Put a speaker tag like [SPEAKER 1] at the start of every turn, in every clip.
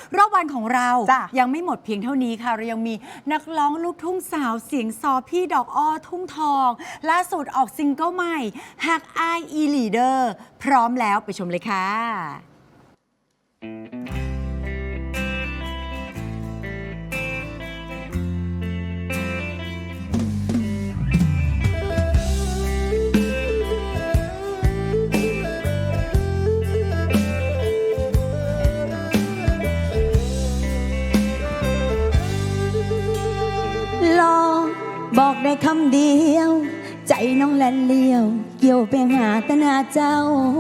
[SPEAKER 1] รอบวันของเรา
[SPEAKER 2] จ้ะ
[SPEAKER 1] ยังไม่หมดเพียงเท่านี้ค่ะเรายังมีนักร้องลูกทุ่งสาวเสียงซอพี่ดอกอ้อทุ่งทองล่าสุดออกซิงเกิลใหม่ฮักอ้ายอีลีเดอร์พร้อมแล้วไปชมเลยค่ะ
[SPEAKER 3] ลองบอกได้คำเดียว ใจน้องแลนเลี้ยว เกี่ยวไปหาแต่หน้าเจ้า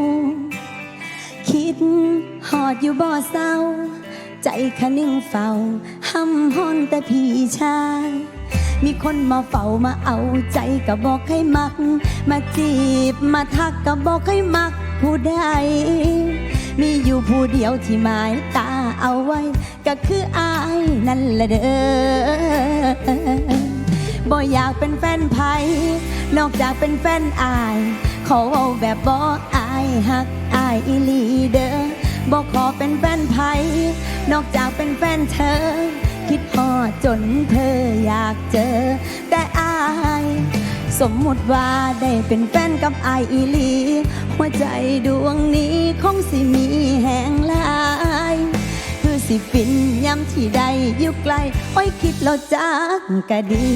[SPEAKER 3] คิดหอดอยู่บ่อเศร้า ใจคะนิ่งเฝ้าห้ำห้อนแต่พี่ชาย มีคนมาเฝ้ามาเอาใจก็บอกให้มัก มาจีบมาทักก็บอกให้มักผู้ใด มีอยู่ผู้เดียวที่หมายตาเอาไว้ ก็คืออายนั่นแหละเด้อบ่อยากเป็นแฟนไผนอกจากเป็นแฟนอายขอเอาแบบบ่อายฮักอายอีหลีเด้อบ่ขอเป็นแฟนไผนอกจากเป็นแฟนเธอ คิดฮอดจนเธออยากเจอ แต่อายสมมุติว่าได้เป็นแฟนกับอายอีหลีหัวใจดวงนี้คงสิมีแห่งหลายคือสิฟินย้ำที่ใดอยู่ไกลโอ้ยคิดแล้วจักกะดี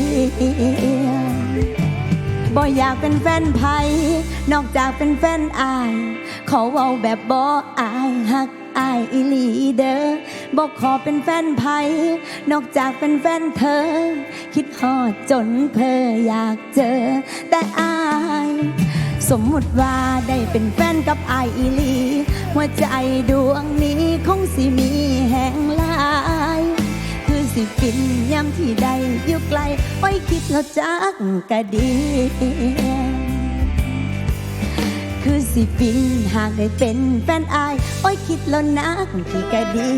[SPEAKER 3] บ่อยากเป็นแฟนไผนอกจากเป็นแฟนอายขอเว้าแบบบ่อายฮักอายอีหลีเด้อบ่ขอเป็นแฟนไผนอกจากเป็นแฟนเธอ คิดฮอดจนเพ้ออยากเจอ แต่อายสมมุติว่าได้เป็นแฟนกับอายอีหลีหัวใจดวงนี้คงสิมีแห่งหลายคือสิฟินย้ำที่ใดอยู่ไกลโอ้ยคิดแล้วจักกะดีคือสิฟินหากได้เป็นแฟนอายโอ้ยคิดแล้วนักที่กะดี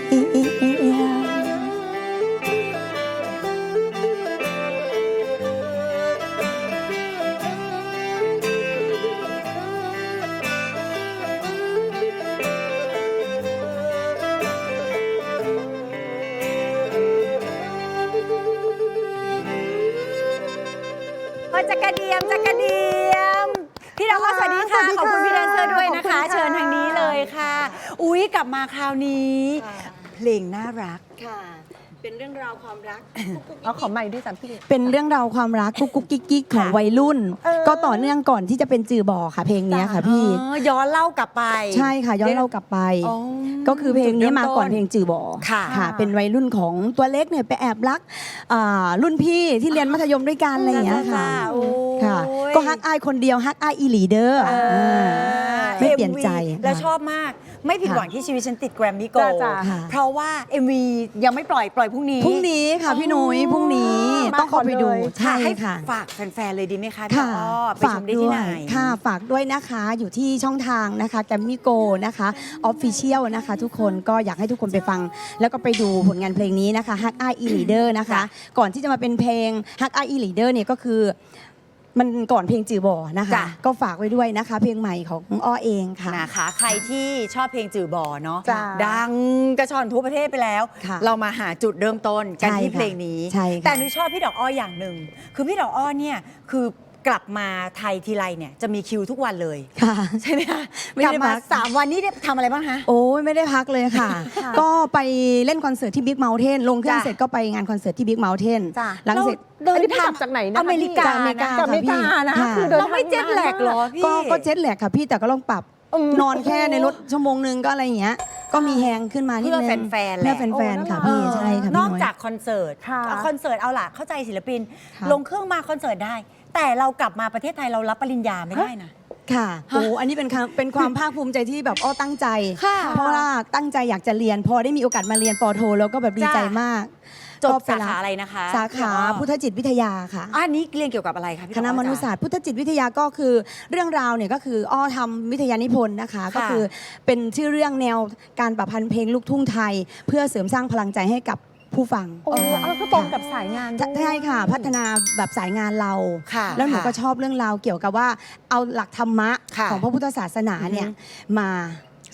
[SPEAKER 1] จักระเดียมจักระเดียมพี่ดอกอ้อสวัสดีค่ะขอบคุณพี่แดนเซอร์ด้วยนะคะ เชิญทางนี้เลยค่ะอุ๊ยกลับมาคราวนี้เพลงน่ารักค่ะเป็นเรื่องราวความรัก
[SPEAKER 2] เอาขอใหม่ด้วยจ้ะพี่
[SPEAKER 3] เป็นเรื่องราวความรักกุ๊กกุ๊กกิ๊กกิ๊กของวัยรุ่น ก็ต่อเนื่องก่อนที่จะเป็นจือบ่อค่ะเพลงนี้ค่ะพี่
[SPEAKER 1] ย้อนเล่ากลับไป
[SPEAKER 3] ใช่ค่ะย้อนเล่ากลับไปก็คือเพลงนี้มาก่อนเพลงจือบ่อค่ะเป็นวัยรุ่นของตัวเล็กเนี่ยไปแอบรักรุ่นพี่ที่เรียนมัธยมด้วยกันอะไรอย่างเงี้ยค่ะก็ฮักอายคนเดียวฮักอายอีหลีเดอร์ไม่เปลี่ยนใจ
[SPEAKER 1] แล้วชอบมากไม่ผิดหวังที่ชีวิตฉันติดแกรมมี่โกลด์เพราะว่า MV ยังไม่ปล่อยพรุ่งนี้
[SPEAKER 3] ค่ะพี่นุ้ยพรุ่งนี้ต้องเข้าไปดูใช่ค่ะ
[SPEAKER 1] ฝากแฟนๆเลยดีไหมคะพี่อ้อไปชมได้ที่ไหน
[SPEAKER 3] ค่ะฝากด้วยนะคะอยู่ที่ช่องทางนะคะแกรมมี่โกลด์นะคะออฟฟิเชียลนะคะทุกคนก็อยากให้ทุกคนไปฟังแล้วก็ไปดูผลงานเพลงนี้นะคะฮักอายอีหลีเดอร์นะคะก่อนที่จะมาเป็นเพลงฮักอายอีหลีเดอร์เนี่ยก็คือมันก่อนเพลงจือบ่อนะคะก็ฝากไว้ด้วยนะคะเพลงใหม่ของอ้อเองค่ะ
[SPEAKER 1] นะคะใครที่ชอบเพลงจือบ่อเนาะดังกระชอนทั่วประเทศไปแล้วเรามาหาจุดเริ่มต้นกันที่เพลงนี้แต่หนูชอบพี่ดอกอ้ออย่างหนึ่งคือพี่ดอกอ้อเนี่ยคือกลับมาไทยทีไรเนี่ยจะมีคิวทุกวันเลยใช่ไหมคะกลับมา3 วันนี้ได้ทำอะไรบ้างคะ
[SPEAKER 3] โอ้ยไม่ได้พักเลยค่ะก็ไปเล่นคอนเสิร์ตที่บิ๊กเมาน์เทนลงเครื่องเสร็จก็ไปงานคอนเสิร์ตที่บิ๊กเมาน์เทนหลังเสร็จ
[SPEAKER 2] เดินทางจากไหนนะ
[SPEAKER 1] อเมริกา
[SPEAKER 2] ค่ะพี่คือ
[SPEAKER 1] เราไม่เจ็ตแลกหรอพี่
[SPEAKER 3] ก็เจ็ตแลกค่ะพี่แต่ก็ลองปรับนอนแค่ในรถชั่วโมงนึงก็อะไรอย่างเงี้ยก็มีแฮงขึ้นมานิดนึง
[SPEAKER 1] เพื่อแฟนๆแหละ
[SPEAKER 3] เพื่อแฟนๆค่ะพี่ใช่ค่ะ
[SPEAKER 1] นอกจากคอนเสิร์ตเอาล่ะเข้าใจศิลปินลงเครื่องมาคอนเสิร์ตได้แต่เรากลับมาประเทศไทยเรารับปริญญาไม่ได้นะ
[SPEAKER 3] ค่ะโอ้อันนี้เป็นความภาคภูมิใจที่แบบอ้อตั้งใจเพราะว่าตั้งใจอยากจะเรียนพอได้มีโอกาสมาเรียนปโทแล้วก็แบบดีใจมาก
[SPEAKER 1] จบสาขาอะไรนะคะ
[SPEAKER 3] สาขาพุทธจิตวิทยาค่ะ
[SPEAKER 1] อันนี้เรียนเกี่ยวกับอะไรคะพี่
[SPEAKER 3] คณะมนุษยศาสตร์พุทธจิตวิทยาก็คือเรื่องราวเนี่ยก็คืออ้อทำวิทยานิพนธ์นะคะก็คือเป็นชื่อเรื่องแนวการประพันธ์เพลงลูกทุ่งไทยเพื่อเสริมสร้างพลังใจให้กับผู้ฟัง
[SPEAKER 2] ก็ตรงกับสายงาน
[SPEAKER 3] ใช่ค่ะพัฒนาแบบสายงานเราแล้วหนูก็ชอบเรื่องราวเกี่ยวกับว่าเอาหลักธรรมะของพระพุทธศาสนาเนี่ยมา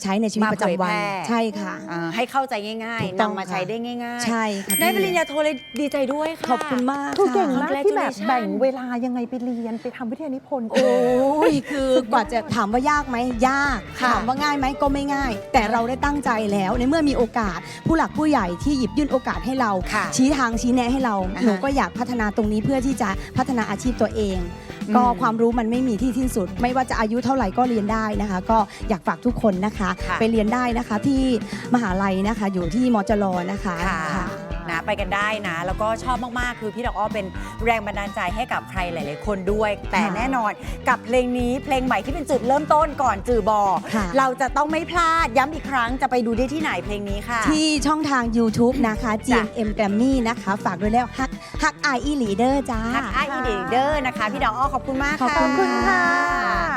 [SPEAKER 3] ใช้ในชีวิตประจำวัน
[SPEAKER 1] มาเผยแพร่
[SPEAKER 3] ใช่ค่ะ
[SPEAKER 1] ให้เข้าใจง่าย
[SPEAKER 3] ถูก
[SPEAKER 1] ๆ
[SPEAKER 3] ต้อง
[SPEAKER 1] นำมาใช้ได้ง่ายๆ
[SPEAKER 3] ใช่ค่ะ
[SPEAKER 1] ได้ปริญญาโทเลยดีใจด้วยค่ะ
[SPEAKER 3] ขอบคุณมาก
[SPEAKER 2] คือเก่ง
[SPEAKER 3] ค่ะ
[SPEAKER 2] มากที่แบบ
[SPEAKER 1] Congratulations
[SPEAKER 2] แบ่งเวลายังไงไปเรียนไปทำวิทยานิพนธ์
[SPEAKER 3] โอ้ยคือกว่าจะถามว่ายากไหมยาก
[SPEAKER 1] ค่ะ
[SPEAKER 3] ถามว่าง่ายไหมก็ไม่ง่าย แต่เราได้ตั้งใจแล้วในเมื่อมีโอกาส ผู้หลักผู้ใหญ่ที่หยิบยื่นโอกาสให้เรา
[SPEAKER 1] ค่ะ
[SPEAKER 3] ชี้ทางชี้แนะให้เรา
[SPEAKER 1] อ่าฮะ
[SPEAKER 3] หนูก็อยากพัฒนาตรงนี้เพื่อที่จะพัฒนาอาชีพตัวเอง ก็ความรู้มันไม่มีที่สิ้นสุด ไม่ว่าจะอายุเท่าไหร่ก็เรียนได้นะคะ ก็อยากฝากทุกคนนะคะ
[SPEAKER 1] ค่ะ
[SPEAKER 3] ไปเรียนได้นะคะที่มหาลัยนะคะอยู่ที่มจรนะคะ
[SPEAKER 1] ค่ะนะไปกันได้นะ แล้วก็ชอบมากๆ คือพี่ดอกอ้อเป็นแรงบันดาลใจให้กับใครหลาย ๆ คนด้วย แต่แน่นอนกับเพลงนี้เพลงใหม่ที่เป็นจุดเริ่มต้นก่อนจือบอ
[SPEAKER 3] ค่ะ
[SPEAKER 1] เราจะต้องไม่พลาดย้ำอีกครั้งจะไปดูได้ที่ไหนเพลงนี้ค่ะ
[SPEAKER 3] ที่ช่องทาง YouTube นะคะ
[SPEAKER 1] จ้ะ
[SPEAKER 3] GMM Grammy นะคะ ฝากด้วยแล้วฮักไออีลีเดอร์จ้า
[SPEAKER 1] ฮักไออีเดอร์นะคะ พี่ดอกอ้อขอบคุณมาก
[SPEAKER 3] ขอบ
[SPEAKER 1] ค่ะ
[SPEAKER 3] คุณค่ะ
[SPEAKER 2] ค่ะ